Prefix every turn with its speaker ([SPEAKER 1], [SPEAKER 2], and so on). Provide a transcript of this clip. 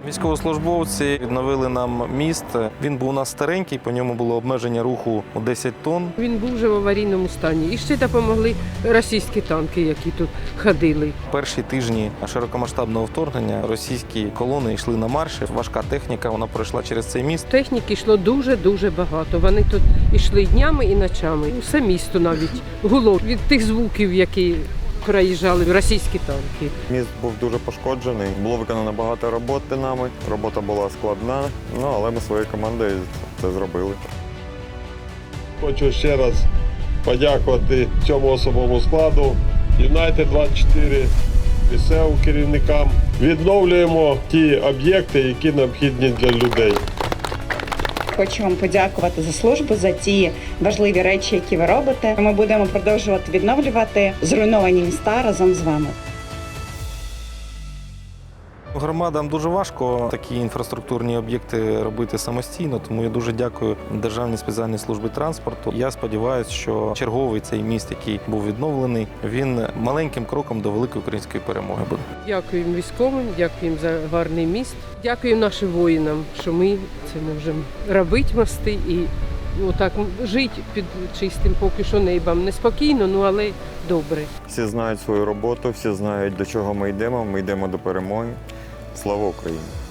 [SPEAKER 1] Військовослужбовці відновили нам міст. Він був у нас старенький, по ньому було обмеження руху у 10 тонн.
[SPEAKER 2] Він був вже в аварійному стані. І ще допомогли російські танки, які тут ходили.
[SPEAKER 1] Перші тижні широкомасштабного вторгнення російські колони йшли на марші. Важка техніка, вона пройшла через цей міст.
[SPEAKER 2] Техніки йшло дуже-дуже багато. Вони тут йшли днями і ночами. Усе місто навіть гуло від тих звуків, які проїжджали російські танки.
[SPEAKER 3] Міст був дуже пошкоджений, було виконано багато роботи нами, робота була складна, але ми своєю командою це зробили.
[SPEAKER 4] Хочу ще раз подякувати цьому особовому складу, Юнайтед 24, місцевим керівникам. Відновлюємо ті об'єкти, які необхідні для людей.
[SPEAKER 5] Хочу вам подякувати за службу, за ті важливі речі, які ви робите. Ми будемо продовжувати відновлювати зруйновані міста разом з вами.
[SPEAKER 1] Громадам дуже важко такі інфраструктурні об'єкти робити самостійно, тому я дуже дякую Державній спеціальній службі транспорту. Я сподіваюся, що черговий цей міст, який був відновлений, він маленьким кроком до великої української перемоги буде.
[SPEAKER 2] Дякуємо військовим, дякуємо за гарний міст. Дякуємо нашим воїнам, що ми це можемо робити мости і отак жити під чистим поки що небом. Неспокійно, але добре.
[SPEAKER 3] Всі знають свою роботу, всі знають, до чого ми йдемо до перемоги. Слава Україні!